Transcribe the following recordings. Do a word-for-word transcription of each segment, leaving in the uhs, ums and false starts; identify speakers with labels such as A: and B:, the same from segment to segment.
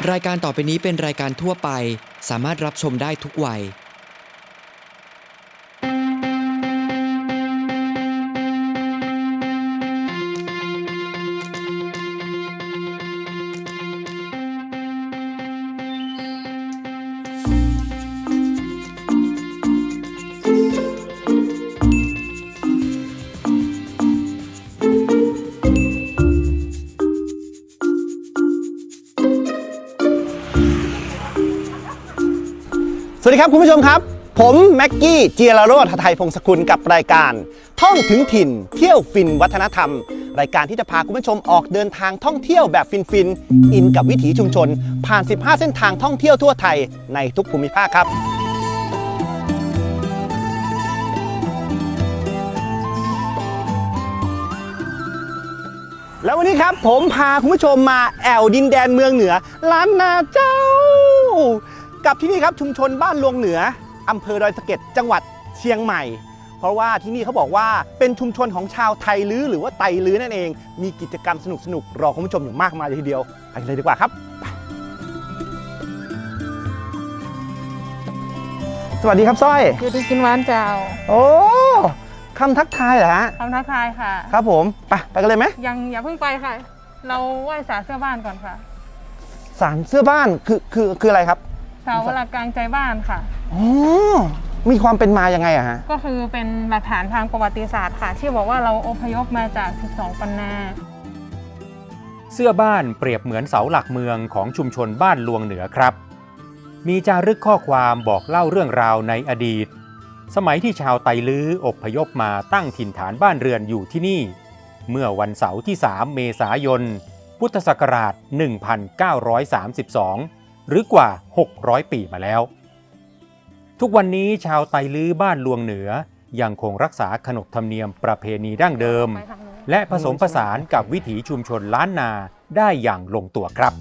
A: รายการต่อไปนี้เป็นรายการทั่วไปสามารถรับชมได้ทุกวัย
B: สวัสดีครับคุณผู้ชมครับผมแม็กกี้เจียรโรจน์ หทัยพงศกุลกับรายการท่องถึงถิ่นเที่ยวฟินวัฒนธรรมรายการที่จะพาคุณผู้ชมออกเดินทางท่องเที่ยวแบบฟินๆอินกับวิถีชุมชนผ่านสิบห้าเส้นทางท่องเที่ยวทั่วไทยในทุกภูมิภาคครับแล้ววันนี้ครับผมพาคุณผู้ชมมาแอวดินแดนเมืองเหนือล้านนาเจ้ากับที่นี่ครับชุมชนบ้านลวงเหนืออำเภอดอยสะเก็ดจังหวัดเชียงใหม่เพราะว่าที่นี่เขาบอกว่าเป็นชุมชนของชาวไทยลื้อหรือว่าไตลื้อนั่นเองมีกิจกรรมสนุกๆรอคุณผู้ชมอยู่มากมายเลยทีเดียวไปเลยดีกว่าครับสวัสดีครับสร้อย
C: อยู่ดีกินหวานเจ้า
B: โอ้คำทักทายเหรอฮะ
C: คำทักทายค่ะ
B: ครับผมไปไปกันเลยไหม
C: ยังอย่าเพิ่งไปค่ะเราไหว้ศาลเสื้อบ้านก่อนค่ะ
B: ศาลเสื้อบ้านคือคือคืออะไรครับ
C: เสาหลักกลางใจบ้านค่ะ
B: อ๋อมีความเป็นมายังไงอะฮะ
C: ก็คือเป็นหลักฐานทางประวัติศาสตร์ค่ะที่บอกว่าเราอพยพมาจากสิบสองปันนา
D: เสื้อบ้านเปรียบเหมือนเสาหลักเมืองของชุมชนบ้านลวงเหนือครับมีจารึกข้อความบอกเล่าเรื่องราวในอดีตสมัยที่ชาวไตลื้ออพยพมาตั้งถิ่นฐานบ้านเรือนอยู่ที่นี่เมื่อวันเสาร์ที่สามเมษายนพุทธศักราชหนึ่งพันเก้าร้อยสามสิบสองหรือกว่าหกร้อยปีมาแล้วทุกวันนี้ชาวไตลื้อบ้านลวงเหนือยังคงรักษาขนบธรรมเนียมประเพณีดั้งเดิมและผสมผสานกับวิถีชุมชนล้านนาได้อย่างลงตัวครับ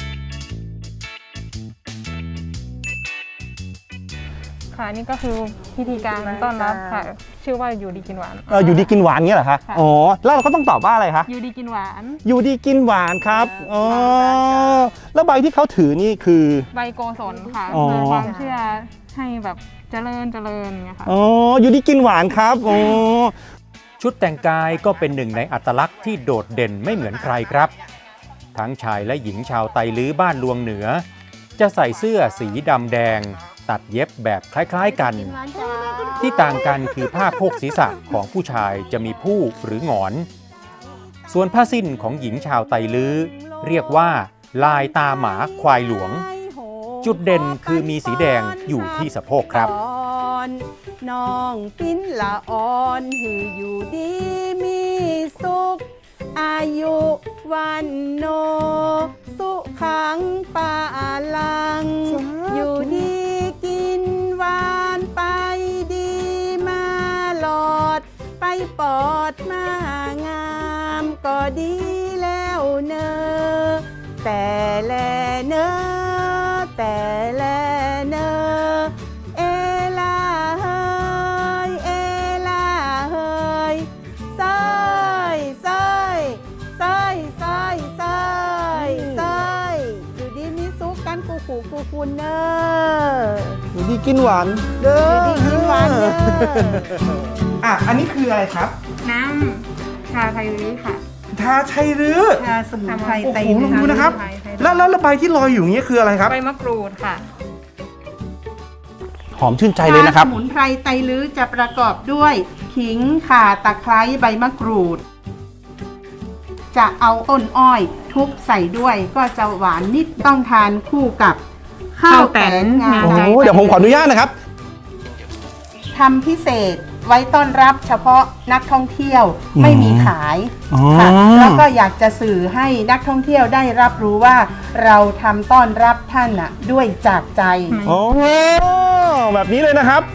C: ค่ะนี่ก็คือพิธีการต้อนรับค่ะชื่อว่าอยู่ดีกินหวาน
B: เอออยู่ดีกินหวานเงี้ยเหรอคะอ๋อแล้วเราก็ต้องตอบว่าอะไรคะ
C: อยู่ดีกินหวาน
B: อยู่ดีกินหวานครับอ๋อแล้วใบที่เขาถือนี่คือ
C: ใบโกศลค่ะคือความเชื่อให้แบบเจริญเจริญเงี้ยค่ะ
B: อ๋ออยู่ดีกินหวานครับอ๋อ
D: ชุดแต่งกายก็เป็นหนึ่งในอัตลักษณ์ที่โดดเด่นไม่เหมือนใครครับทั้งชายและหญิงชาวไตลื้อบ้านลวงเหนือจะใส่เสื้อสีดำแดงตัดเย็บแบบคล้ายๆกันที่ต่างกันคือผ้าโพกศีรษะของผู้ชายจะมีผู้หรือหงอนส่วนผ้าสิ้นของหญิงชาวไตลื้อเรียกว่าลายตาหมาควายหลวงจุดเด่นคือมีสีแดงอยู่ที่สะโพกครับ
E: น้องปิ้นละอ่อนหืออยู่ดีมีสุขอายุวันโนสุขังปาลังอยู่ดีกินหวานไปดีมาหลอดไปปอดมางามก็ดีแล้วเนอแต่แลเนอแต่แลเนอเอลาเฮยเอลาเฮยซอยซอยซอยซอยซอยซอยอยู่ดีมีสุขกันกูขู่กูคุณเนอ
B: อยู่ดีกินหวานเด้อ
E: อยู่ดีกินหวานเด้อ
B: อ่ะอันนี้คืออะไรครับ
C: น้ำชาไทยลื้อค่ะ
B: ชาไทยลื้อ
C: ชาสมุนไพรไต
B: ลื้อลองดูนะครับแล้วแล้วใบที่ลอยอยู่นี้คืออะไรครับ
C: ใบมะกรูดค่ะ
B: หอมชื่นใจเลยนะครับ
E: สมุนไพรไตลื้อจะประกอบด้วยขิงข่าตะไคร้ใบมะกรูดจะเอาต้นอ้อยทุบใส่ด้วยก็จะหวานนิดต้องทานคู่กับข้าวแตนงา
B: โอ้เดี๋ยวผมขออนุญาตนะครับ
E: ทำพิเศษไว้ต้อนรับเฉพาะนักท่องเที่ยวไม่มีขายค่ะแล้วก็อยากจะสื่อให้นักท่องเที่ยวได้รับรู้ว่าเราทำต้อนรับท่านน่ะด้วยจากใจ
B: โอ้แบบนี้เลยนะครับ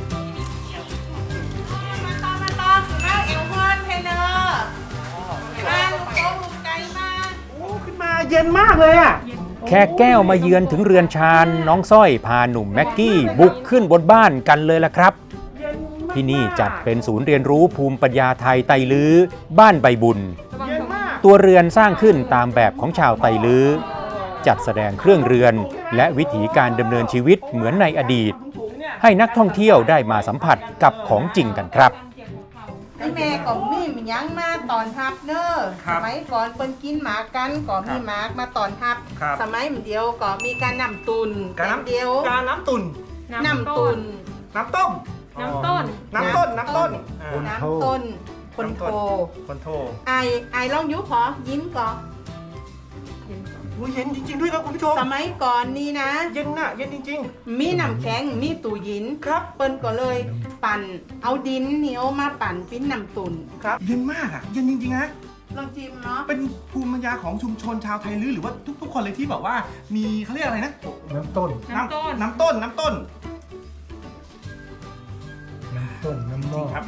E: มาตอมาตอคือว่าเอลมอนเพเนอร์มาลูกโป่งลูกไก่มา
B: โอ้ขึ้นมาเย็นมากเลยอ่ะ
D: แค่แก้วมาเยือนถึงเรือนชานน้องสร้อยพาหนุ่มแม็กกี้บุกขึ้นบนบ้านกันเลยล่ะครับที่นี่จัดเป็นศูนย์เรียนรู้ภูมิปัญญาไทยไตลื้อบ้านใบบุญตัวเรือนสร้างขึ้นตามแบบของชาวไตลื้อจัดแสดงเครื่องเรือน และวิถีการดำเนินชีวิตเหมือนในอดีต ให้นักท่องเที่ยวได้มาสัมผัสกับของจริงกันครับ
E: ไอ้แม่ก็มีมันยังมาตอนทับเนอะ
B: ครั
E: ส
B: บ
E: มัยก่อนเปิ้นกินหมากันก็มีหมากมาตอนทับ
B: ครับ
E: สมัยมันเดียวก็มีการนำตุน
B: การน้ำ
E: เดียว
B: การน้ำตุ่น
E: นำตุน
B: น้ำต้ม
C: น้ำต้น
B: น้ำต้น น้ำต้นอ่า
E: น้ำต้นคนโท
B: คนโท
E: ไอไอลองยุขอยิ้มก่อน
B: อุ้ยเย็นจริง ๆ ด้วยครับคุณผู้ชม
E: สมัยก่อนนี่นะ
B: เย็นน่ะ เย็นจริง
E: มีน้ำแข็งมีตู้ยิน
B: ๆ ครับ
E: เปิ้นก็เลยปั่นเอาดินเหนียวมาปั่นปิ้นน้ำตุน
B: ครับ เย็นมากอ่ะ เย็นจริงๆนะ
E: ลองจิ้มเนาะ
B: เป็นภูมิปัญญาของชุมชนชาวไทยลื้อหรือว่าทุกๆ คนเลยที่แบบว่า มีเขาเรียกอะไรนะ
F: น้ำต้น
C: น้ำต้น
B: น้ำต้น น้ำต้น
F: น้ำต้น น้ำหม้อ
B: ครับ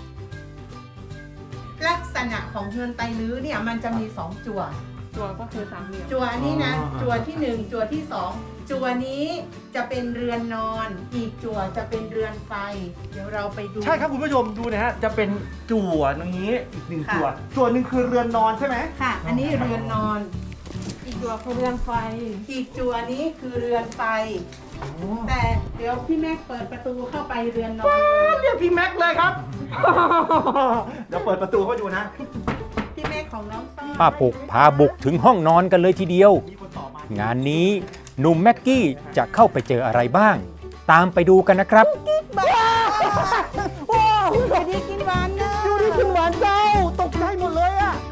E: ลักษณะของเฮือนไตลื้อเนี่ยมันจะมีสองจั่ว
C: ตัวก็คือสามเหลี่ยม
E: จั่วนี้นะ
F: อ๋อ
E: จั่วที่หนึ่งจั่วที่สองจั่วนี้จะเป็นเรือนนอน อีกจั่วจะเป็นเรือนไฟ เดี๋ยวเราไปดู
B: ใช่ครับคุณผู้ชมดูนะฮะ จะเป็นจั่วตรงนี้อีกหนึ่ง
E: ค่ะ
B: จั่ว จั่วหนึ่งคือเรือนนอนใช่ไหม
E: ค่ะ อันนี้เรือนนอน
C: อีกตัวคือเรือนไฟ
E: อีกจั่วนี้คือเรือนไฟ แต่เดี๋ยวพี่แม็กเปิดประตูเข้าไปเรือนนอนเลย
B: เรียกพี่แม็กเลยครับ เดี๋ยวเปิดประตูเข้าไปดูนะ
E: พี่แม็กของน้องซ่อน
D: ป้าปุกพาบุกถึงห้องนอนกันเลยทีเดียว
B: มีคนต่อมาง
D: านนี้หนุ่มแม็กกี้จะเข้าไปเจออะไรบ้าง ตามไปดูกันนะครับ
E: บ้าว้าวสวัสดีกินหวานเนอะ
B: ดูดิคุณหวานเจ้า ตกใจหมดเลยอ่ะ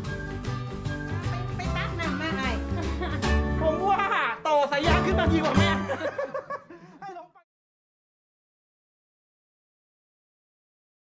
E: ไปตักน้ำมาไอ้
B: ผมว่าต่อสายยางขึ้นมาดีกว่าแม่